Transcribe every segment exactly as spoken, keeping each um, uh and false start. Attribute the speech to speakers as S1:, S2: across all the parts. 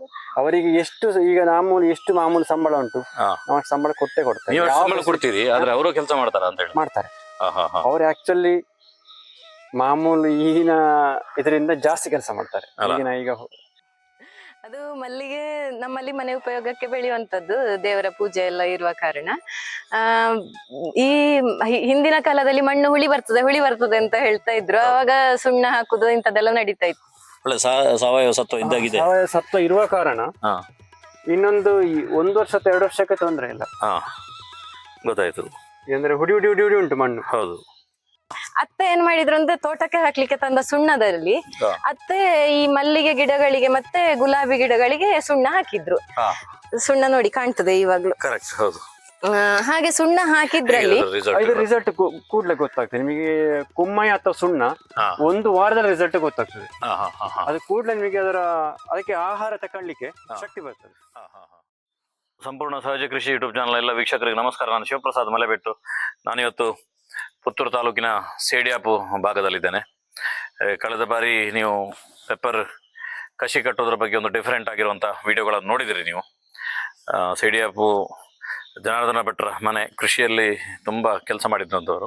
S1: ಅವರಿಗೆ ಎಷ್ಟು ಈಗ ಮಾಮೂಲಿ ಎಷ್ಟು ಮಾಮೂಲಿ ಸಂಬಳ ಉಂಟು ನಾವು ಸಂಬಳ ಕೊಟ್ಟೆ ಕೊಡ್ತಾರೆ.
S2: ನೀವು ಸಂಬಳ ಕೊಡ್ತೀರಿ ಆದ್ರೆ ಅವರು ಕೆಲಸ ಮಾಡ್ತಾರ ಅಂತ ಹೇಳಿ
S1: ಮಾಡ್ತಾರೆ. ಅವ್ರು ಆಕ್ಚುಲಿ ಮಾಮೂಲಿ ಈಗಿನ ಇದರಿಂದ ಜಾಸ್ತಿ ಕೆಲಸ ಮಾಡ್ತಾರೆ. ಈಗಿನ ಈಗ
S3: ಅದು ಮಲ್ಲಿಗೆ ನಮ್ಮಲ್ಲಿ ಮನೆ ಉಪಯೋಗಕ್ಕೆ ಬೆಳೆಯುವಂತದ್ದು, ದೇವರ ಪೂಜೆ ಎಲ್ಲ ಇರುವ ಕಾರಣ. ಆ ಈ ಹಿಂದಿನ ಕಾಲದಲ್ಲಿ ಮಣ್ಣು ಹುಳಿ ಬರ್ತದೆ ಹುಳಿ ಬರ್ತದೆ ಅಂತ ಹೇಳ್ತಾ ಇದ್ರು. ಅವಾಗ ಸುಣ್ಣ ಹಾಕುದು ಇಂಥದ್ದೆಲ್ಲ ನಡೀತಾ ಇತ್ತು.
S2: ಒಳ್ಳೆ ಸಾವಯವ ಸತ್ವ ಇದ್ದಾಗಿದೆ.
S1: ಸಾವಯವ ಸತ್ವ ಇರುವ ಕಾರಣ ಇನ್ನೊಂದು ಒಂದು ವರ್ಷ ಎರಡು ವರ್ಷಕ್ಕೆ ತೊಂದರೆ ಇಲ್ಲ.
S2: ಗೊತ್ತಾಯ್ತು.
S1: ಅಂದ್ರೆ ಹುಡಿ ಹುಡಿ ಹುಡಿ ಹುಡಿ ಉಂಟು ಮಣ್ಣು.
S2: ಹೌದು.
S3: ಅತ್ತೆ ಏನ್ ಮಾಡಿದ್ರು ಅಂದ್ರೆ ತೋಟಕ್ಕೆ ಹಾಕ್ಲಿಕ್ಕೆ ತಂದ ಸುಣ್ಣದಲ್ಲಿ ಅತ್ತೆ ಈ ಮಲ್ಲಿಗೆ ಗಿಡಗಳಿಗೆ ಮತ್ತೆ ಗುಲಾಬಿ ಗಿಡಗಳಿಗೆ ಸುಣ್ಣ ಹಾಕಿದ್ರು. ಸುಣ್ಣ ನೋಡಿ ಕಾಣ್ತದೆ ಇವಾಗ್ಲು.
S2: ಕರೆಕ್ಟ್. ಹೌದು.
S3: ಹಾಗೆ ಸುಣ್ಣ ಹಾಕಿದ್ರಲ್ಲಿ
S1: ಇದು ರಿಸಲ್ಟ್ ಕೂಡ್ಲೆ ಗೊತ್ತಾಗ್ತದೆ ನಿಮಗೆ. ಕುಮ್ಮಯ ಅಥವಾ ಸುಣ್ಣ ಒಂದು ವಾರದ ರಿಸಲ್ಟ್ ಗೊತ್ತಾಗ್ತದೆ. ಅದು ಕೂಡ್ಲೆ ನಿಮಗೆ ಅದರ ಅದಕ್ಕೆ ಆಹಾರ ತಕೊಳ್ಳಿಕ್ಕೆ ಶಕ್ತಿ ಬರ್ತದೆ.
S2: ಸಂಪೂರ್ಣ ಸಹಜ ಕೃಷಿ ಯೂಟ್ಯೂಬ್ ಚಾನಲ್ ಎಲ್ಲ ವೀಕ್ಷಕರಿಗೆ ನಮಸ್ಕಾರ. ನಾನು ಶಿವಪ್ರಸಾದ್ ಮಲೆಬೆಟ್ಟು. ನಾನಿವತ್ತು ಪುತ್ತೂರು ತಾಲೂಕಿನ ಸೇಡಿಯಾಪು ಭಾಗದಲ್ಲಿದ್ದೇನೆ. ಕಳೆದ ಬಾರಿ ನೀವು ಪೆಪ್ಪರ್ ಕಸಿ ಕಟ್ಟೋದ್ರ ಬಗ್ಗೆ ಒಂದು ಡಿಫರೆಂಟ್ ಆಗಿರುವಂಥ ವಿಡಿಯೋಗಳನ್ನು ನೋಡಿದಿರಿ ನೀವು. ಸೇಡಿಯಾಪು ಜನಾರ್ದನ ಭಟ್ರ ಮನೆ, ಕೃಷಿಯಲ್ಲಿ ತುಂಬ ಕೆಲಸ ಮಾಡಿದ್ದಂಥವರು.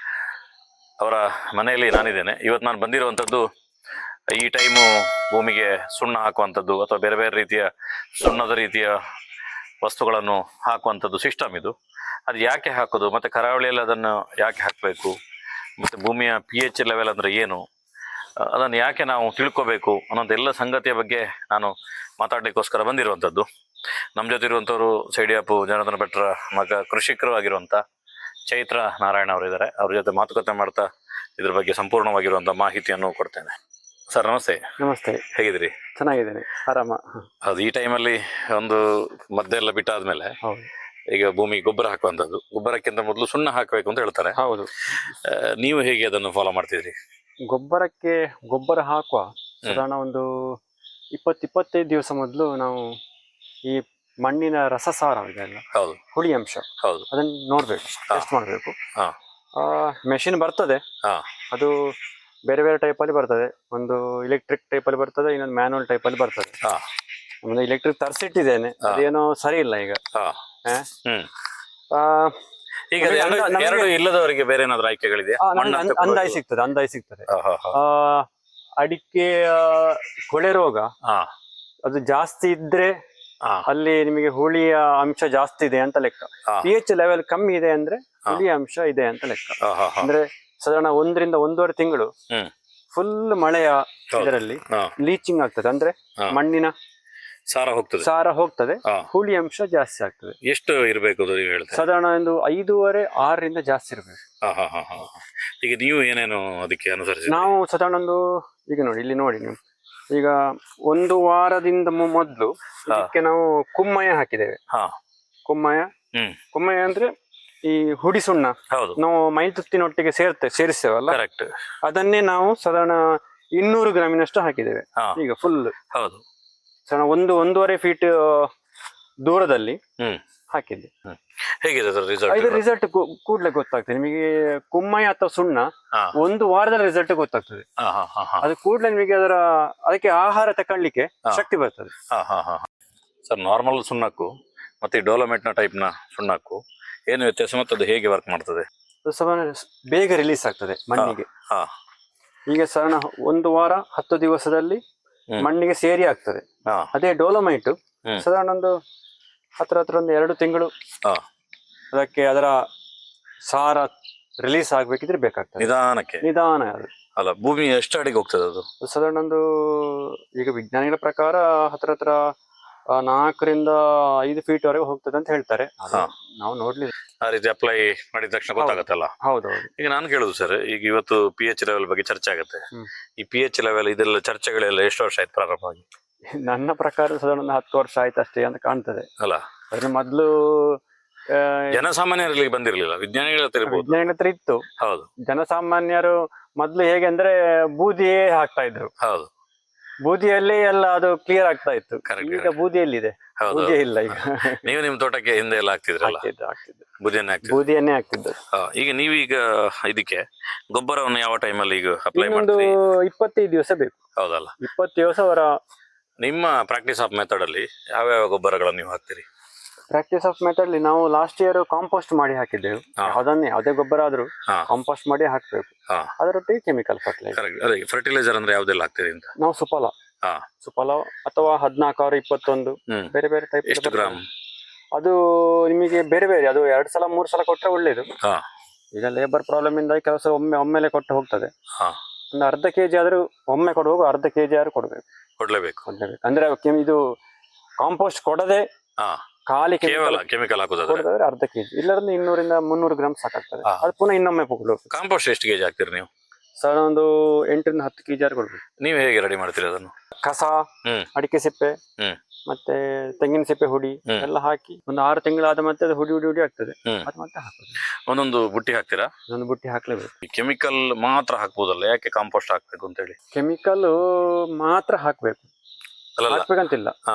S2: ಅವರ ಮನೆಯಲ್ಲಿ ನಾನಿದ್ದೇನೆ ಇವತ್ತು. ನಾನು ಬಂದಿರುವಂಥದ್ದು ಈ ಟೈಮು ಭೂಮಿಗೆ ಸುಣ್ಣ ಹಾಕುವಂಥದ್ದು ಅಥವಾ ಬೇರೆ ಬೇರೆ ರೀತಿಯ ಸುಣ್ಣದ ರೀತಿಯ ವಸ್ತುಗಳನ್ನು ಹಾಕುವಂಥದ್ದು ಸಿಸ್ಟಮ್ ಇದು. ಅದು ಯಾಕೆ ಹಾಕೋದು, ಮತ್ತು ಕರಾವಳಿಯಲ್ಲಿ ಅದನ್ನು ಯಾಕೆ ಹಾಕಬೇಕು, ಮತ್ತು ಭೂಮಿಯ ಪಿ ಎಚ್ ಲೆವೆಲ್ ಅಂದರೆ ಏನು, ಅದನ್ನು ಯಾಕೆ ನಾವು ತಿಳ್ಕೋಬೇಕು ಅನ್ನೋದು ಎಲ್ಲ ಸಂಗತಿಯ ಬಗ್ಗೆ ನಾನು ಮಾತಾಡಲಿಕ್ಕೋಸ್ಕರ ಬಂದಿರುವಂಥದ್ದು. ನಮ್ಮ ಜೊತೆ ಇರುವಂಥವ್ರು ಸೇಡಿಯಾಪು ಜನಾರ್ದನ ಭಟ್ರ ಮಗ ಕೃಷಿಕರು ಆಗಿರುವಂಥ ಚೈತ್ರ ನಾರಾಯಣ ಅವರಿದ್ದಾರೆ. ಅವ್ರ ಜೊತೆ ಮಾತುಕತೆ ಮಾಡ್ತಾ ಇದ್ರ ಬಗ್ಗೆ ಸಂಪೂರ್ಣವಾಗಿರುವಂಥ ಮಾಹಿತಿಯನ್ನು ಕೊಡ್ತೇನೆ. ಸರ್ ನಮಸ್ತೆ.
S1: ನಮಸ್ತೆ.
S2: ಹೇಗಿದ್ದೀರಿ?
S1: ಚೆನ್ನಾಗಿದ್ದೇನೆ, ಆರಾಮ.
S2: ಹೌದು. ಈ ಟೈಮಲ್ಲಿ ಒಂದು ಮದ್ದೆ ಎಲ್ಲ ಬಿಟ್ಟಾದ್ಮೇಲೆ ಈಗ ಭೂಮಿ ಗೊಬ್ಬರ ಹಾಕುವಂಥದ್ದು, ಗೊಬ್ಬರಕ್ಕಿಂತ ಮೊದಲು ಸುಣ್ಣ ಹಾಕಬೇಕು ಅಂತ ಹೇಳ್ತಾರೆ.
S1: ಹೌದು.
S2: ನೀವು ಹೇಗೆ ಅದನ್ನು ಫಾಲೋ ಮಾಡ್ತಿದ್ರಿ?
S1: ಗೊಬ್ಬರಕ್ಕೆ ಗೊಬ್ಬರ ಹಾಕುವ ಸಾಧಾರಣ ಒಂದು ಇಪ್ಪತ್ತು ಇಪ್ಪತ್ತೈದು ದಿವಸ ಮೊದಲು ನಾವು ಈ ಮಣ್ಣಿನ ರಸಸಾರ ಇದೆಲ್ಲ,
S2: ಹೌದು,
S1: ಹುಳಿ ಅಂಶ,
S2: ಹೌದು,
S1: ಅದನ್ನು ನೋಡ್ಬೇಕು, ಟೆಸ್ಟ್ ಮಾಡಬೇಕು. ಮೆಷಿನ್ ಬರ್ತದೆ, ಅದು ಬೇರೆ ಬೇರೆ ಟೈಪಲ್ಲಿ ಬರ್ತದೆ. ಒಂದು ಇಲೆಕ್ಟ್ರಿಕ್ ಟೈಪಲ್ಲಿ ಬರ್ತದೆ, ಇನ್ನೊಂದು ಮ್ಯಾನುವಲ್ ಟೈಪಲ್ಲಿ ಬರ್ತದೆ. ಒಂದು ಇಲೆಕ್ಟ್ರಿಕ್ ತರಿಸಿಟ್ಟಿದ್ದೇನೆ, ಅದೇನೋ ಸರಿ ಇಲ್ಲ ಈಗ.
S2: ಈಗ ಎರಡು ಇಲ್ಲದವರಿಗೆ ಬೇರೆ ಏನಾದ್ರು ಆಯ್ಕೆಗಳಿದೆ?
S1: ಅಂದಾಜು ಸಿಗ್ತದೆ, ಅಂದಾಜು ಸಿಗ್ತದೆ. ಅಡಿಕೆ ಕೊಳೆ ರೋಗ ಅದು ಜಾಸ್ತಿ ಇದ್ರೆ ಅಲ್ಲಿ ನಿಮಗೆ ಹುಳಿಯ ಅಂಶ ಜಾಸ್ತಿ ಇದೆ ಅಂತ ಲೆಕ್ಕ. ಪಿ ಎಚ್ ಲೆವೆಲ್ ಕಮ್ಮಿ ಇದೆ ಅಂದ್ರೆ ಹುಳಿಯ ಅಂಶ ಇದೆ ಅಂತ ಲೆಕ್ಕ. ಅಂದ್ರೆ ಸಾಧಾರಣ ಒಂದರಿಂದ ಒಂದೂವರೆ ತಿಂಗಳು ಫುಲ್ ಮಳೆಯ ಇದರಲ್ಲಿ ಲೀಚಿಂಗ್ ಆಗ್ತದೆ, ಅಂದ್ರೆ ಮಣ್ಣಿನ
S2: ಸಾರ ಹೋಗ್ತದೆ,
S1: ಸಾರ ಹೋಗ್ತದೆ, ಹುಳಿ ಅಂಶ ಜಾಸ್ತಿ ಆಗ್ತದೆ.
S2: ಎಷ್ಟು ಇರಬೇಕು
S1: ಸಾಧಾರಣ ಒಂದು ಐದೂವರೆ ಆರರಿಂದ ಜಾಸ್ತಿ ಇರಬೇಕು.
S2: ಈಗ ನೀವು ಏನೇನು ಅದಕ್ಕೆ ಅನುಸರಿಸಿ?
S1: ನಾವು ಸಾಧಾರಣ ಒಂದು ಈಗ ನೋಡಿ ಇಲ್ಲಿ ನೋಡಿ ನೀವು, ಈಗ ಒಂದು ವಾರದಿಂದ ಮೊದಲು ಇದಕ್ಕೆ ನಾವು ಕುಮ್ಮಯ ಹಾಕಿದ್ದೇವೆ. ಕುಮ್ಮಯ ಕುಮ್ಮಯ ಅಂದ್ರೆ ಈ ಹುಡಿ ಸುಣ್ಣ ನಾವು ಮೈತುತ್ತಿನೊಟ್ಟಿಗೆ ಸೇರ್ತೆ ಸೇರಿಸ್ತೇವಲ್ಲ, ಅದನ್ನೇ ನಾವು ಸಾಧಾರಣ ಇನ್ನೂರು ಗ್ರಾಮಿನಷ್ಟು ಹಾಕಿದ್ದೇವೆ ಈಗ ಫುಲ್.
S2: ಹೌದು.
S1: ಒಂದು ಒಂದೂವರೆ ಫೀಟ್ ದೂರದಲ್ಲಿ ಹಾಕಿದ್ದೆ.
S2: ಹೇಗಿದೆ
S1: ಇದು ರಿಸಲ್ಟ್ ಕೂಡ್ಲೆ ಗೊತ್ತಾಗ್ತದೆ ನಿಮಗೆ. ಕುಮ್ಮಯ ಅಥವಾ ಸುಣ್ಣ ಒಂದು ವಾರದಲ್ಲಿ ರಿಸಲ್ಟ್ ಗೊತ್ತಾಗ್ತದೆ. ಅದು ಕೂಡ್ಲೆ ನಿಮಗೆ ಅದರ ಅದಕ್ಕೆ ಆಹಾರ ತಕೊಳ್ಳಿಕ್ಕೆ ಶಕ್ತಿ ಬರ್ತದೆ.
S2: ಸರ್, ನಾರ್ಮಲ್ ಸುಣ್ಣಕ್ಕೂ ಮತ್ತೆ ಡೋಲೋಮೆಟ್ ನ ಟೈಪ್ ನ ಸುಣ್ಣಕ್ಕೂ ಏನು ವ್ಯತ್ಯಾಸ ಮತ್ತು ಅದು ಹೇಗೆ ವರ್ಕ್ ಮಾಡ್ತದೆ?
S1: ಬೇಗ ರಿಲೀಸ್ ಆಗ್ತದೆ ಮಣ್ಣಿಗೆ. ಈಗ ಸಾಧಾರಣ ಒಂದು ವಾರ ಹತ್ತು ದಿವಸದಲ್ಲಿ ಮಣ್ಣಿಗೆ ಸೇರಿ ಆಗ್ತದೆ. ಅದೇ ಡೋಲೋಮೈಟ್ ಸಾಧಾರಣ ಒಂದು ಹತ್ರ ಹತ್ರ ಒಂದು ಎರಡು ತಿಂಗಳು ಅದಕ್ಕೆ ಅದರ ಸಾರ ರಿಲೀಸ್ ಆಗ್ಬೇಕಿದ್ರೆ ಬೇಕಾಗ್ತದೆ.
S2: ನಿಧಾನಕ್ಕೆ
S1: ನಿಧಾನ ಅದು
S2: ಅಲ್ಲ. ಭೂಮಿ ಎಷ್ಟು ಅಡಿಗೆ ಹೋಗ್ತದೆ ಅದು?
S1: ಸಾಧಾರಣ ಒಂದು ಈಗ ವಿಜ್ಞಾನಿಗಳ ಪ್ರಕಾರ ಹತ್ರ ಹತ್ರ ನಾಲ್ಕರಿಂದ ಐದು ಫೀಟ್ ವರೆಗೆ ಹೋಗ್ತದೆ ಅಂತ ಹೇಳ್ತಾರೆ. ನಾವು ನೋಡ್ಲಿಲ್ಲ.
S2: ಆ ರೀತಿ ಅಪ್ಲೈ ಮಾಡಿದ ತಕ್ಷಣ ಗೊತ್ತಾಗತ್ತಲ್ಲ?
S1: ಹೌದೌದು.
S2: ಈಗ ನಾನು ಕೇಳುದು ಸರ್, ಈಗ ಇವತ್ತು ಪಿ ಎಚ್ ಲೆವೆಲ್ ಬಗ್ಗೆ ಚರ್ಚೆ ಆಗುತ್ತೆ. ಈ ಪಿ ಎಚ್ ಲೆವೆಲ್ ಇದೆಲ್ಲ ಚರ್ಚೆಗಳೆಲ್ಲ ಎಷ್ಟು ವರ್ಷ ಆಯ್ತು ಪ್ರಾರಂಭ ಆಗಿ?
S1: ನನ್ನ ಪ್ರಕಾರ ಸಾಧಾರಣ ಒಂದು ಹತ್ತು ವರ್ಷ ಆಯ್ತು ಅಷ್ಟೇ ಅಂತ ಕಾಣ್ತದೆ
S2: ಅಲ್ಲ.
S1: ಅದ್ರ ಮೊದ್ಲು
S2: ಜನಸಾಮಾನ್ಯರಲ್ಲಿ ಬಂದಿರ್ಲಿಲ್ಲ, ವಿಜ್ಞಾನಿಗಳ ಹತ್ರ
S1: ವಿಜ್ಞಾನಿಗಳ ಹತ್ರ ಇತ್ತು.
S2: ಹೌದು.
S1: ಜನಸಾಮಾನ್ಯರು ಮೊದ್ಲು ಹೇಗೆ ಅಂದ್ರೆ ಬೂದಿಯೇ ಹಾಕ್ತಾ ಇದ್ರು.
S2: ಹೌದು.
S1: ಬೂದಿಯಲ್ಲಿ ಎಲ್ಲ ಅದು ಕ್ಲಿಯರ್ ಆಗ್ತಾ ಇತ್ತು. ಈಗ ಬೂದಿಯಲ್ಲಿದೆ, ಬೂದಿ ಇಲ್ಲ ಈಗ.
S2: ನೀವು ನಿಮ್ ತೋಟಕ್ಕೆ ಹಿಂದೆ ಎಲ್ಲ ಹಾಕ್ತಿದ್ರಲ್ಲ? ಬೂದಿಯನ್ನೇ ಹಾಕ್ತಿದ್ರು.
S1: ಬೂದಿಯನ್ನೇ ಹಾಕ್ತಿದ್ರು.
S2: ಈಗ ನೀವೀಗ ಇದಕ್ಕೆ ಗೊಬ್ಬರವನ್ನು ಯಾವ ಟೈಮಲ್ಲಿ ಈಗ ಅಪ್ಲೈ
S1: ಒಂದು ಇಪ್ಪತ್ತೈದು ದಿವಸ ಬೇಕು.
S2: ಹೌದಲ್ಲ?
S1: ಇಪ್ಪತ್ತು ದಿವಸ ಅವರ
S2: ನಿಮ್ಮ ಪ್ರಾಕ್ಟೀಸ್ ಆಫ್ ಮೆಥಡ್ ಅಲ್ಲಿ ಯಾವ್ಯಾವ ಗೊಬ್ಬರಗಳನ್ನು ನೀವು ಹಾಕ್ತೀರಿ?
S1: ಪ್ರಾಕ್ಟೀಸ್ ಆಫ್ ಮೆಥಡ್ ನಾವು ಲಾಸ್ಟ್ ಇಯರ್ ಕಾಂಪೋಸ್ಟ್ ಮಾಡಿ ಹಾಕಿದ್ದೆವು.
S2: ಹಾ.
S1: ಅದನ್ನೇ ಯಾವುದೇ ಗೊಬ್ಬರ ಆದ್ರೂ
S2: ಹಾ.
S1: ಕಾಂಪೋಸ್ಟ್ ಮಾಡಿ ಹಾಕ್ಬೇಕು.
S2: ಹಾ.
S1: ಅದರೊಟ್ಟಿಗೆ ಕೆಮಿಕಲ್ ಫರ್ಟಿಲೈಸರ್.
S2: ಕರೆಕ್ಟ್. ಅದೇ ಫರ್ಟಿಲೈಸರ್ ಅಂದ್ರೆ ಯಾವ್ದೆಲ್ಲ ಹಾಕ್ತೀರಿ ಅಂತ?
S1: ನಾವು ಸುಫಲ
S2: ಹಾ.
S1: ಸುಫಲ ಅಥವಾ ಹದಿನಾಲ್ಕಾರು ಇಪ್ಪತ್ತೊಂದು
S2: ಹ್ಮ್.
S1: ಬೇರೆ ಬೇರೆ ಟೈಪ್.
S2: ಎಷ್ಟು ಗ್ರಾಮ್?
S1: ಅದು ನಿಮಗೆ ಬೇರೆ ಬೇರೆ, ಅದು ಎರಡು ಸಲ ಮೂರು ಸಲ ಕೊಟ್ಟರೆ ಒಳ್ಳೇದು.
S2: ಹಾ.
S1: ಈಗ ಲೇಬರ್ ಪ್ರಾಬ್ಲಮ್ ಇಂದ ಕೆಲಸ ಒಮ್ಮೆ ಒಮ್ಮೆಲೆ ಕೊಟ್ಟು ಹೋಗ್ತದೆ.
S2: ಹಾ.
S1: ಒಂದು ಅರ್ಧ ಕೆಜಿ ಆದ್ರೂ ಒಮ್ಮೆ ಕೊಡುವಾಗ ಅರ್ಧ ಕೆಜಿ ಆದ್ರೂ ಕೊಡ್ಬೇಕು
S2: ಕೊಡ್ಲೇಬೇಕು.
S1: ಕೊಡ್ಲೇಬೇಕು. ಅಂದ್ರೆ ಕೆಮ್- ಇದು ಕಾಂಪೋಸ್ಟ್ ಕೊಡದೆ
S2: ಹಾ.
S1: ಖಾಲಿ
S2: ಕೇವಲ ಕೆಮಿಕಲ್ ಹಾಕುದಾದ್ರೆ
S1: ಕೊಡೋದಾದ್ರೆ ಅರ್ಧ ಕೆಜಿ, ಇಲ್ಲದ್ರೆ ಇನ್ನೂರಿಂದ ಮುನ್ನೂರು ಗ್ರಾಮ್ ಸಾಕಾಗ್ತದೆ.
S2: ಹಾ.
S1: ಅದು ಪುನಃ ಇನ್ನೊಮ್ಮೆ ಕೊಡ್ಬೇಕು.
S2: ಕಾಂಪೋಸ್ಟ್ ಎಷ್ಟು ಕೆಜಿ ಹಾಕ್ತೀರಿ ನೀವು?
S1: ಸರ್ ಒಂದು ಎಂಟರಿಂದ ಹತ್ತು ಕೆಜಿ ಆದ್ರೂ ಕೊಡ್ಬೇಕು.
S2: ನೀವು ಹೇಗೆ ರೆಡಿ ಮಾಡ್ತೀರಿ ಅದನ್ನು?
S1: ಕಸ,
S2: ಹ್ಮ್.
S1: ಅಡಿಕೆ ಸಿಪ್ಪೆ,
S2: ಹ್ಮ್.
S1: ಮತ್ತೆ ತೆಂಗಿನ ಸಿಪ್ಪೆ ಹುಡಿ
S2: ಹ್ಮ್.
S1: ಎಲ್ಲ ಹಾಕಿ ಒಂದು ಆರು ತಿಂಗಳಾದ ಮತ್ತೆ ಅದು ಹುಡಿ ಹುಡಿ ಹುಡಿ ಆಗ್ತದೆ.
S2: ಹ್ಮ್.
S1: ಅದು ಮತ್ತೆ ಹಾಕೋದು.
S2: ಒಂದೊಂದು ಬುಟ್ಟಿ ಹಾಕ್ತೀರಾ?
S1: ಒಂದು ಬುಟ್ಟಿ ಹಾಕ್ಲೇಬೇಕು.
S2: ಕೆಮಿಕಲ್ ಮಾತ್ರ ಹಾಕ್ಬೋದಲ್ಲ, ಯಾಕೆ ಕಾಂಪೋಸ್ಟ್ ಹಾಕ್ಬೇಕು ಅಂತ ಹೇಳಿ?
S1: ಕೆಮಿಕಲ್ ಮಾತ್ರ ಹಾಕ್ಬೇಕು,
S2: ಅಲ್ಲಲ್ಲ.
S1: ಹಾಕ್ಬೇಕಂತಿಲ್ಲ.
S2: ಹಾ.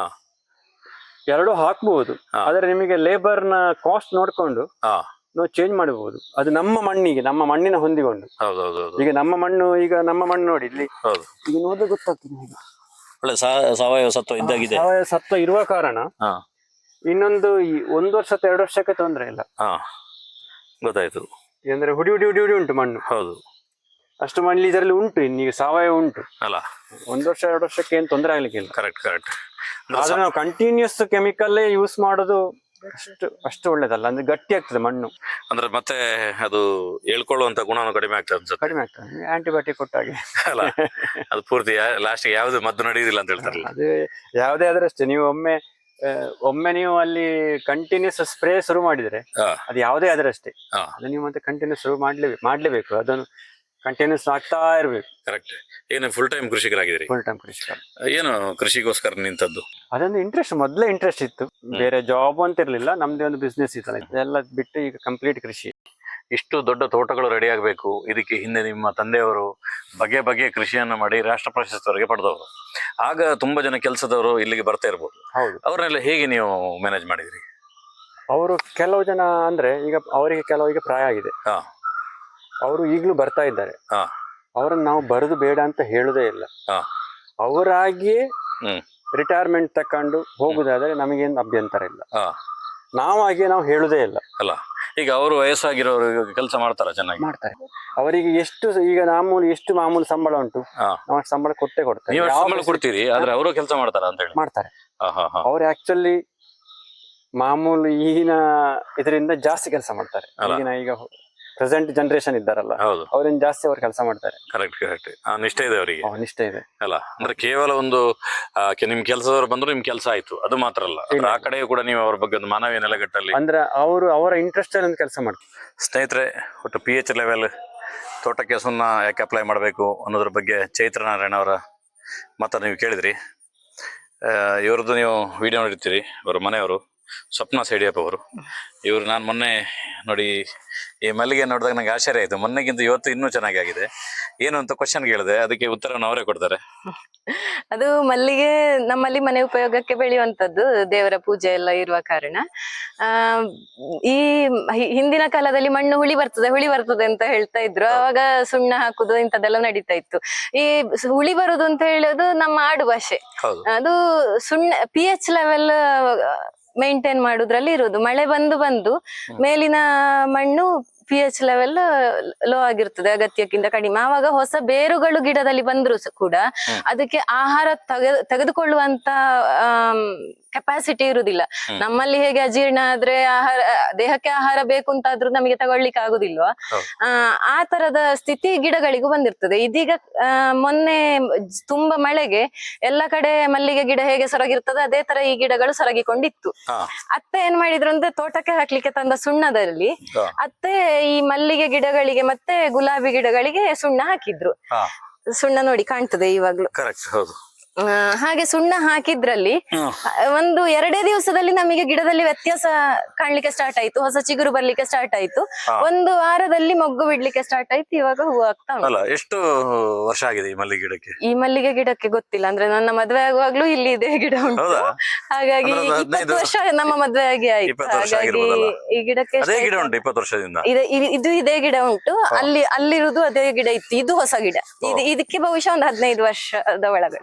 S1: ಎರಡು ಹಾಕ್ಬಹುದು.
S2: ಹಾ.
S1: ಆದ್ರೆ ನಿಮಗೆ ಲೇಬರ್ ನ ಕಾಸ್ಟ್ ನೋಡ್ಕೊಂಡು
S2: ಹಾ.
S1: ನಾವು ಚೇಂಜ್ ಮಾಡಬಹುದು. ಅದು ನಮ್ಮ ಮಣ್ಣಿಗೆ, ನಮ್ಮ ಮಣ್ಣಿನ ಹೊಂದಿಕೊಂಡು.
S2: ಹೌದೌದು.
S1: ಈಗ ನಮ್ಮ ಮಣ್ಣು, ಈಗ ನಮ್ಮ ಮಣ್ಣು ನೋಡಿ ಇಲ್ಲಿ,
S2: ಹೌದು.
S1: ಈಗ ನೋಡಿದ್ರೆ ಗೊತ್ತಾಗ್ತದೆ ನಿಮಗೆ.
S2: ಒಳ್ಳೆ ಸಾವಯವ ಸತ್ವ ಇದ್ದಾಗಿದೆ.
S1: ಸಾವಯವ ಸತ್ವ ಇರುವ ಕಾರಣ
S2: ಹಾ.
S1: ಇನ್ನೊಂದು ಈ ಒಂದು ವರ್ಷ ಅಥವಾ ಎರಡು ವರ್ಷಕ್ಕೆ ತೊಂದರೆ ಇಲ್ಲ.
S2: ಹಾ, ಗೊತ್ತಾಯ್ತು.
S1: ಅಂದ್ರೆ ಹುಡಿ ಹುಡಿ ಹುಡಿ ಹುಡಿ ಉಂಟು ಮಣ್ಣು.
S2: ಹೌದು.
S1: ಅಷ್ಟು ಮಣ್ಣು ಇದರಲ್ಲಿ ಉಂಟು, ಇನ್ನೀಗ ಸಾವಯವ ಉಂಟು
S2: ಅಲ್ಲ.
S1: ಒಂದು ವರ್ಷ ಎರಡು ವರ್ಷಕ್ಕೆ ಏನು ತೊಂದರೆ ಆಗ್ಲಿಕ್ಕಿಲ್ಲ.
S2: Correct correct.
S1: ಆದ್ರೆ ನಾವು ಕಂಟಿನ್ಯೂಸ್ ಕೆಮಿಕಲ್ ಯೂಸ್ ಮಾಡೋದು ಅಷ್ಟು ಅಷ್ಟು ಒಳ್ಳೇದಲ್ಲ. ಅಂದ್ರೆ ಗಟ್ಟಿ ಆಗ್ತದೆ ಮಣ್ಣು.
S2: ಅಂದ್ರೆ ಮತ್ತೆ ಅದು ಹೇಳ್ಕೊಳ್ಳುವಂತ ಗುಣನು ಕಡಿಮೆ ಆಗ್ತದೆ ಅನ್ಸುತ್ತೆ.
S1: ಕಡಿಮೆ ಆಗ್ತದೆ ಆಂಟಿಬಯೋಟಿಕ್ ಕೊಟ್ಟಾಗೆ
S2: ಅಲ್ಲ. ಅದು ಪೂರ್ತಿ ಲಾಸ್ಟ್ ಯಾವ್ದು ಮದ್ದು ನಡೆಯುದಿಲ್ಲ ಅಂತ ಹೇಳ್ತಾರೆ.
S1: ಅದು ಯಾವುದೇ ಆದ್ರೆ ಅಷ್ಟೇ, ನೀವು ಒಮ್ಮೆ ಆ, ಒಮ್ಮೆ ನೀವು ಅಲ್ಲಿ ಕಂಟಿನ್ಯೂಸ್ ಸ್ಪ್ರೇ ಶುರು ಮಾಡಿದ್ರೆ ಅದು ಯಾವುದೇ ಆದ್ರೆ ಅಷ್ಟೇ, ಅದು ನೀವು ಮತ್ತೆ ಕಂಟಿನ್ಯೂಸ್ ಶುರು ಮಾಡ್ಲೇಬೇಕು ಮಾಡ್ಲೇಬೇಕು ಅದನ್ನು ಕಂಟಿನ್ಯೂಸ್ ಆಗ್ತಾ ಇರ್ಬೇಕು.
S2: ಕರೆಕ್ಟ್. ಏನು ಫುಲ್ ಟೈಮ್ ಕೃಷಿಕರಾಗಿದ್ದೀರಿ?
S1: ಫುಲ್ ಟೈಮ್ ಕೃಷಿಕ.
S2: ಏನು ಕೃಷಿಗೋಸ್ಕರ ನಿಂತದ್ದು?
S1: ಅದೊಂದು ಇಂಟ್ರೆಸ್ಟ್, ಮೊದಲೇ ಇಂಟ್ರೆಸ್ಟ್ ಇತ್ತು. ಬೇರೆ ಜಾಬ್ ಅಂತ ಇರ್ಲಿಲ್ಲ, ನಮ್ದೇ ಒಂದು ಬಿಸ್ನೆಸ್ ಇತ್ತಲ್ಲ, ಇದೆಲ್ಲ ಬಿಟ್ಟು ಈಗ ಕಂಪ್ಲೀಟ್ ಕೃಷಿ.
S2: ಇಷ್ಟು ದೊಡ್ಡ ತೋಟಗಳು ರೆಡಿ ಆಗಬೇಕು, ಇದಕ್ಕೆ ಹಿಂದೆ ನಿಮ್ಮ ತಂದೆಯವರು ಬಗೆ ಬಗೆಯ ಕೃಷಿಯನ್ನು ಮಾಡಿ ರಾಷ್ಟ್ರ ಪ್ರಶಸ್ತಿವರೆಗೆ ಪಡೆದವರು. ಆಗ ತುಂಬಾ ಜನ ಕೆಲಸದವರು ಇಲ್ಲಿಗೆ ಬರ್ತಾ ಇರ್ಬೋದು.
S1: ಹೌದು.
S2: ಅವ್ರನ್ನೆಲ್ಲ ಹೇಗೆ ನೀವು ಮ್ಯಾನೇಜ್ ಮಾಡಿದ್ರಿ?
S1: ಅವರು ಕೆಲವು ಜನ ಅಂದ್ರೆ ಈಗ ಅವರಿಗೆ ಕೆಲವರಿಗೆ ಪ್ರಾಯ ಆಗಿದೆ,
S2: ಹಾ.
S1: ಅವರು ಈಗಲೂ ಬರ್ತಾ ಇದ್ದಾರೆ.
S2: ಹಾ.
S1: ಅವರನ್ನು ನಾವು ಬರುದು ಬೇಡ ಅಂತ ಹೇಳುದೇ ಇಲ್ಲ.
S2: ಹಾ.
S1: ಅವರಾಗಿಯೇ
S2: ಹ್ಮ್.
S1: ರಿಟೈರ್ಮೆಂಟ್ ತಕೊಂಡು ಹೋಗುದಾದ್ರೆ ನಮಗೇನು ಅಭ್ಯಂತರ ಇಲ್ಲ.
S2: ಹಾ.
S1: ನಾವಾಗಿಯೇ ನಾವು ಹೇಳುದೇ ಇಲ್ಲ.
S2: ಅಲ್ಲ, ಈಗ ಅವರು ವಯಸ್ಸಾಗಿರೋರು ಕೆಲಸ ಮಾಡ್ತಾರ? ಚೆನ್ನಾಗಿ
S1: ಮಾಡ್ತಾರೆ. ಅವರಿಗೆ ಎಷ್ಟು ಈಗ ಮಾಮೂಲಿ ಎಷ್ಟು ಮಾಮೂಲಿ ಸಂಬಳ ಉಂಟು, ನಾವು ಅಷ್ಟು ಸಂಬಳ ಕೊಟ್ಟೆ ಕೊಡ್ತಾರೆ.
S2: ನೀವು ಸಂಬಳ ಕೊಡ್ತೀರಿ, ಆದ್ರೆ ಅವರು ಕೆಲಸ ಮಾಡ್ತಾರ ಅಂತ ಹೇಳಿ?
S1: ಮಾಡ್ತಾರೆ. ಅವ್ರು ಆಕ್ಚುಲಿ ಮಾಮೂಲಿ ಈಗಿನ ಇದರಿಂದ ಜಾಸ್ತಿ ಕೆಲಸ ಮಾಡ್ತಾರೆ. ಈಗಿನ ಈಗ ಪ್ರೆಸೆಂಟ್ ಜನರೇಷನ್ ಇದ್ದಾರಲ್ಲ, ಅವ್ರಿಂದ ಜಾಸ್ತಿ ಅವ್ರು ಕೆಲಸ ಮಾಡ್ತಾರೆ.
S2: Correct correct. ನಿಷ್ಠೆ ಇದೆ ಅವರಿಗೆ.
S1: ನಿಷ್ಠೆ ಇದೆ
S2: ಅಲ್ಲ, ಅಂದ್ರೆ ಕೇವಲ ಒಂದು ನಿಮ್ ಕೆಲಸದವರು ಬಂದ್ರು ನಿಮ್ ಕೆಲಸ ಆಯ್ತು ಅದು ಮಾತ್ರ ಅಲ್ಲ, ಆ ಕಡೆಯೂ ಕೂಡ ನೀವು ಅವ್ರ ಬಗ್ಗೆ ಒಂದು ಮಾನವೀಯ ನೆಲೆಗಟ್ಟಲ್ಲಿ
S1: ಅಂದ್ರೆ ಅವರು ಅವರ ಇಂಟ್ರೆಸ್ಟ್ ಅಲ್ಲಿ ಕೆಲಸ ಮಾಡ್ತಾರೆ.
S2: ಸ್ನೇಹಿತರೆ, ಒಟ್ಟು ಪಿ ಎಚ್ ಲೆವೆಲ್ ತೋಟಕ್ಕೆ ಸುಣ್ಣ ಯಾಕೆ ಅಪ್ಲೈ ಮಾಡಬೇಕು ಅನ್ನೋದ್ರ ಬಗ್ಗೆ ಚೈತ್ರ ನಾರಾಯಣ ಅವರ ಮಾತನ್ನು ನೀವು ಕೇಳಿದ್ರಿ. ಇವ್ರದ್ದು ನೀವು ವಿಡಿಯೋ ನೋಡಿರ್ತೀರಿ. ಅವರ ಮನೆಯವರು ಸ್ವಪ್ನ ಸೇಡಿಯಪ್ಪ ಅವರು. ಇವರು ನಾನು ಮೊನ್ನೆ ನೋಡಿ ಈ ಮಲ್ಲಿಗೆ ನೋಡಿದಾಗ ನಂಗೆ ಆಶ್ಚರ್ಯ ಆಯ್ತು. ಮೊನ್ನೆಗಿಂತ ಇವತ್ತು ಇನ್ನೂ ಚೆನ್ನಾಗಿ ಆಗಿದೆ. ಏನು ಅಂತ ಕ್ವಶನ್ ಕೇಳಿದೆ, ಅದಕ್ಕೆ ಉತ್ತರವನ್ನು ಅವರೇ ಕೊಡ್ತಾರೆ.
S3: ಅದು ಮಲ್ಲಿಗೆ ನಮ್ಮಲ್ಲಿ ಮನೆ ಉಪಯೋಗಕ್ಕೆ ಬೆಳೆಯುವಂತದ್ದು, ದೇವರ ಪೂಜೆ ಎಲ್ಲ ಇರುವ ಕಾರಣ. ಆ ಈ ಹಿಂದಿನ ಕಾಲದಲ್ಲಿ ಮಣ್ಣು ಹುಳಿ ಬರ್ತದೆ ಹುಳಿ ಬರ್ತದೆ ಅಂತ ಹೇಳ್ತಾ ಇದ್ರು. ಅವಾಗ ಸುಣ್ಣ ಹಾಕುದು ಇಂಥದ್ದೆಲ್ಲ ನಡೀತಾ ಇತ್ತು. ಈ ಹುಳಿ ಬರುದು ಅಂತ ಹೇಳೋದು ನಮ್ಮ ಆಡು ಭಾಷೆ. ಅದು ಸುಣ್ಣ ಪಿ ಎಚ್ ಲೆವೆಲ್ ಮೇಂಟೈನ್ ಮಾಡುದ್ರಲ್ಲಿ ಇರುವುದು. ಮಳೆ ಬಂದು ಬಂದು ಮೇಲಿನ ಮಣ್ಣು ಪಿ ಎಚ್ ಲೆವೆಲ್ ಲೋ ಆಗಿರ್ತದೆ, ಅಗತ್ಯಕ್ಕಿಂತ ಕಡಿಮೆ. ಆವಾಗ ಹೊಸ ಬೇರುಗಳು ಗಿಡದಲ್ಲಿ ಬಂದ್ರು ಕೂಡ ಅದಕ್ಕೆ ಆಹಾರ ತೆಗೆ ತೆಗೆದುಕೊಳ್ಳುವಂತ ಕೆಪಾಸಿಟಿ ಇರುವುದಿಲ್ಲ. ನಮ್ಮಲ್ಲಿ ಹೇಗೆ ಅಜೀರ್ಣ ಆದ್ರೆ ಆಹಾರ ದೇಹಕ್ಕೆ ಆಹಾರ ಬೇಕು ಅಂತಾದ್ರೂ ನಮಗೆ ತಗೊಳ್ಲಿಕ್ಕೆ ಆಗುದಿಲ್ವಾ, ಆ ಆ ತರದ ಸ್ಥಿತಿ ಗಿಡಗಳಿಗೂ ಬಂದಿರ್ತದೆ. ಇದೀಗ ಆ ಮೊನ್ನೆ ತುಂಬಾ ಮಳೆಗೆ ಎಲ್ಲ ಕಡೆ ಮಲ್ಲಿಗೆ ಗಿಡ ಹೇಗೆ ಸೊರಗಿರ್ತದೆ ಅದೇ ತರ ಈ ಗಿಡಗಳು ಸೊರಗಿಕೊಂಡಿತ್ತು. ಅತ್ತೆ ಏನ್ ಮಾಡಿದ್ರು ಅಂದ್ರೆ ತೋಟಕ್ಕೆ ಹಾಕ್ಲಿಕ್ಕೆ ತಂದ ಸುಣ್ಣದಲ್ಲಿ ಅತ್ತೆ ಈ ಮಲ್ಲಿಗೆ ಗಿಡಗಳಿಗೆ ಮತ್ತೆ ಗುಲಾಬಿ ಗಿಡಗಳಿಗೆ ಸುಣ್ಣ ಹಾಕಿದ್ರು. ಸುಣ್ಣ ನೋಡಿ ಕಾಣ್ತದೆ ಇವಾಗ್ಲು. ಹಾಗೆ ಸುಣ್ಣ ಹಾಕಿದ್ರಲ್ಲಿ ಒಂದು ಎರಡೇ ದಿವಸದಲ್ಲಿ ನಮಗೆ ಗಿಡದಲ್ಲಿ ವ್ಯತ್ಯಾಸ ಕಾಣ್ಲಿಕ್ಕೆ ಸ್ಟಾರ್ಟ್ ಆಯ್ತು. ಹೊಸ ಚಿಗುರು ಬರ್ಲಿಕ್ಕೆ ಸ್ಟಾರ್ಟ್ ಆಯ್ತು. ಒಂದು ವಾರದಲ್ಲಿ ಮೊಗ್ಗು ಬಿಡ್ಲಿಕ್ಕೆ ಸ್ಟಾರ್ಟ್ ಆಯ್ತು. ಇವಾಗ ಹೂ ಆಗ್ತಾ ಉಂಟು.
S2: ಎಷ್ಟು ವರ್ಷ ಆಗಿದೆ ಈ ಮಲ್ಲಿಗೆ ಗಿಡಕ್ಕೆ?
S3: ಈ ಮಲ್ಲಿಗೆ ಗಿಡಕ್ಕೆ ಗೊತ್ತಿಲ್ಲ, ಅಂದ್ರೆ ನನ್ನ ಮದ್ವೆ ಆಗುವಾಗ್ಲೂ ಇಲ್ಲಿ ಇದೇ ಗಿಡ ಉಂಟು. ಹಾಗಾಗಿ ಇಪ್ಪತ್ತು ವರ್ಷ ನಮ್ಮ ಮದ್ವೆ ಆಗಿ ಆಯ್ತು. ಹಾಗಾಗಿ ಈ ಗಿಡಕ್ಕೆ
S2: ಇಪ್ಪತ್ತು ವರ್ಷದಿಂದ
S3: ಇದು ಇದೇ ಗಿಡ ಉಂಟು. ಅಲ್ಲಿ ಅಲ್ಲಿರುವುದು ಅದೇ ಗಿಡ ಇತ್ತು. ಇದು ಹೊಸ ಗಿಡ. ಇದು ಇದಕ್ಕೆ ಬಹುಶಃ ಒಂದು ಹದಿನೈದು ವರ್ಷದ ಒಳಗಡೆ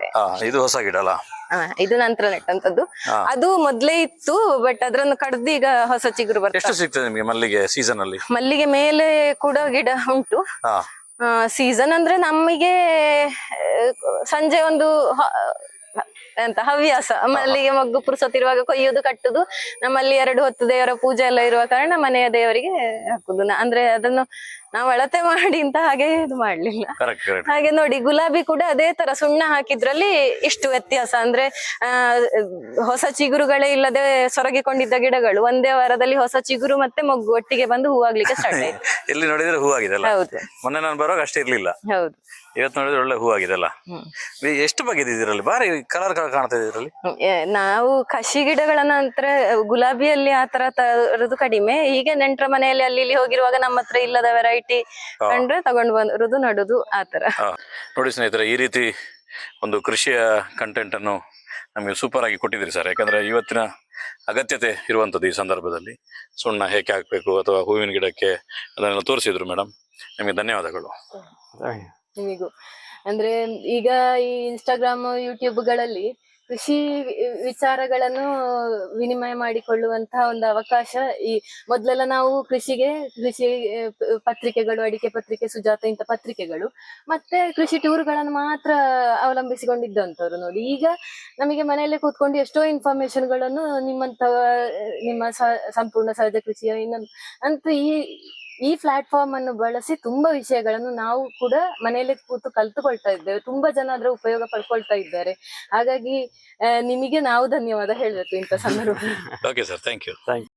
S2: ಇದು ಹೊಸ ಗಿಡ ಅಲ್ಲ?
S3: ಆ, ಇದು ನಂತರ ನೆಟ್ಟಂತದ್ದು.
S2: ಹಾ.
S3: ಅದು ಮೊದ್ಲೇ ಇತ್ತು, ಬಟ್ ಅದ್ರನ್ನು ಕಡ್ದು ಈಗ ಹೊಸ ಚಿಗುರು ಬರ್ತದೆ.
S2: ಎಷ್ಟು ಸಿಗ್ತದೆ ನಿಮಗೆ ಮಲ್ಲಿಗೆ ಸೀಸನ್ ಅಲ್ಲಿ?
S3: ಮಲ್ಲಿಗೆ ಮೇಲೆ ಕೂಡ ಗಿಡ ಉಂಟು.
S2: ಹಾ
S3: ಸೀಸನ್ ಅಂದ್ರೆ ನಮಗೆ ಆ, ಸಂಜೆ ಒಂದು ಹ- ಎಂತ ಹವ್ಯಾಸ, ಮಲ್ಲಿಗೆ ಮೊಗ್ಗು ಪುರ್ಸೊತ್ತಿರುವಾಗ ಕೊಯ್ಯುದು ಕಟ್ಟುದು. ನಮ್ಮಲ್ಲಿ ಎರಡು ಹೊತ್ತು ದೇವರ ಪೂಜೆ ಎಲ್ಲ ಇರುವ ಕಾರಣ ಮನೆಯ ದೇವರಿಗೆ ಹಾಕುದು. ನ- ಅಂದ್ರೆ ಅದನ್ನು ನಾವು ಅಳತೆ ಮಾಡಿ ಅಂತ ಹಾಗೆ ಇದು ಮಾಡ್ಲಿಲ್ಲ.
S2: Correct correct.
S3: ಹಾಗೆ ನೋಡಿ, ಗುಲಾಬಿ ಕೂಡ ಅದೇ ತರ ಸುಣ್ಣ ಹಾಕಿದ್ರಲ್ಲಿ ಇಷ್ಟು ವ್ಯತ್ಯಾಸ. ಅಂದ್ರೆ ಆ ಹೊಸ ಚಿಗುರುಗಳೇ ಇಲ್ಲದೆ ಸೊರಗಿಕೊಂಡಿದ್ದ ಗಿಡಗಳು ಒಂದೇ ವಾರದಲ್ಲಿ ಹೊಸ ಚಿಗುರು ಮತ್ತೆ ಮೊಗ್ಗು ಒಟ್ಟಿಗೆ ಬಂದು ಹೂವಾಗ್ಲಿಕ್ಕೆ ಸ್ಟಾರ್ಟ್ ಆಯ್ತು.
S2: ಎಲ್ಲಿ ನೋಡಿದ್ರೆ ಹೂ ಆಗಿದೆ ಅಲ್ಲ?
S3: ಹೌದು
S2: ಮೊನ್ನೆ ನಾನು ಬರುವಾಗ ಅಷ್ಟೇ ಇರ್ಲಿಲ್ಲ,
S3: ಹೌದು.
S2: ಇವತ್ತು ನೋಡಿದ್ರೆ ಒಳ್ಳೆ ಹೂ ಆಗಿದೆ ಅಲ್ಲ?
S3: ಹ್ಮ್.
S2: ಈ ಎಷ್ಟು ಬಗೆದು ಇದರಲ್ಲಿ? ಬಾರಿ ಕಲರ್ ಕಲರ್ ಕಾಣ್ತಾ ಇದೆ ಇದರಲ್ಲಿ.
S3: ಹ್ಮ್, ಏ, ನಾವು ಕಸಿ ಗಿಡಗಳ ನಂತರ ಗುಲಾಬಿಯಲ್ಲಿ ಆ ತರ ತರದು ಕಡಿಮೆ. ಹೀಗೆ ನೆಂಟ್ರ ಮನೆಯಲ್ಲಿ ಅಲ್ಲಿ ಇಲ್ಲಿ ಹೋಗಿರುವಾಗ ನಮ್ಮ ಹತ್ರ ಇಲ್ಲದ ವೆರೈಟಿ ಕಂಡ್ರೆ ತಗೊಂಡು ಬಂದು ನಡುದು ಆ ತರ.
S2: ಆ, ನೋಡಿ ಸ್ನೇಹಿತರೆ, ಈ ರೀತಿ ಒಂದು ಕೃಷಿಯ ಕಂಟೆಂಟ್ ಅನ್ನು ನಮಗೆ ಸೂಪರ್ ಆಗಿ ಕೊಟ್ಟಿದ್ದೀರಿ ಸರ್. ಯಾಕಂದ್ರೆ ಇವತ್ತಿನ ಅಗತ್ಯತೆ ಇರುವಂಥದ್ದು ಈ ಸಂದರ್ಭದಲ್ಲಿ ಸುಣ್ಣ ಹೇಗೆ ಹಾಕಬೇಕು ಅಥವಾ ಹೂವಿನ ಗಿಡಕ್ಕೆ ಅದನ್ನೆಲ್ಲ ತೋರಿಸಿದ್ರು ಮೇಡಮ್. ನಿಮಗೆ ಧನ್ಯವಾದಗಳು.
S3: ನಿಮಿಗೂ ಅಂದ್ರೆ ಈಗ ಈ ಇನ್ಸ್ಟಾಗ್ರಾಮ್ ಯೂಟ್ಯೂಬ್ಗಳಲ್ಲಿ ಕೃಷಿ ವಿ- ವಿಚಾರಗಳನ್ನು ವಿನಿಮಯ ಮಾಡಿಕೊಳ್ಳುವಂತಹ ಒಂದು ಅವಕಾಶ. ಈ ಮೊದ್ಲೆಲ್ಲ ನಾವು ಕೃಷಿಗೆ ಕೃಷಿ ಆ, ಪ- ಪತ್ರಿಕೆಗಳು, ಅಡಿಕೆ ಪತ್ರಿಕೆ, ಸುಜಾತ ಇಂಥ ಪತ್ರಿಕೆಗಳು ಮತ್ತೆ ಕೃಷಿ ಟೂರ್ಗಳನ್ನು ಮಾತ್ರ ಅವಲಂಬಿಸಿಕೊಂಡಿದ್ದಂಥವ್ರು. ನೋಡಿ, ಈಗ ನಮಗೆ ಮನೆಯಲ್ಲೇ ಕೂತ್ಕೊಂಡು ಎಷ್ಟೋ ಇನ್ಫಾರ್ಮೇಶನ್ಗಳನ್ನು ನಿಮ್ಮಂತ ನಿಮ್ಮ ಸ- ಸಂಪೂರ್ಣ ಸಹಜ ಕೃಷಿಯ ಇನ್ನೊಂದು ಅಂತ ಈ ಈ ಪ್ಲಾಟ್ಫಾರ್ಮ್ ಅನ್ನು ಬಳಸಿ ತುಂಬಾ ವಿಷಯಗಳನ್ನು ನಾವು ಕೂಡ ಮನೆಯಲ್ಲೇ ಕೂತು ಕಲ್ತುಕೊಳ್ತಾ ಇದ್ದೇವೆ. ತುಂಬಾ ಜನ ಅದರ ಉಪಯೋಗ ಪಡ್ಕೊಳ್ತಾ ಇದ್ದಾರೆ. ಹಾಗಾಗಿ ಆ, ನಿಮಗೆ ನಾವು ಧನ್ಯವಾದ ಹೇಳ್ಬೇಕು ಇಂಥ ಸಂದರ್ಭದಲ್ಲಿ.
S2: Okay sir, thank you.
S1: Thank you.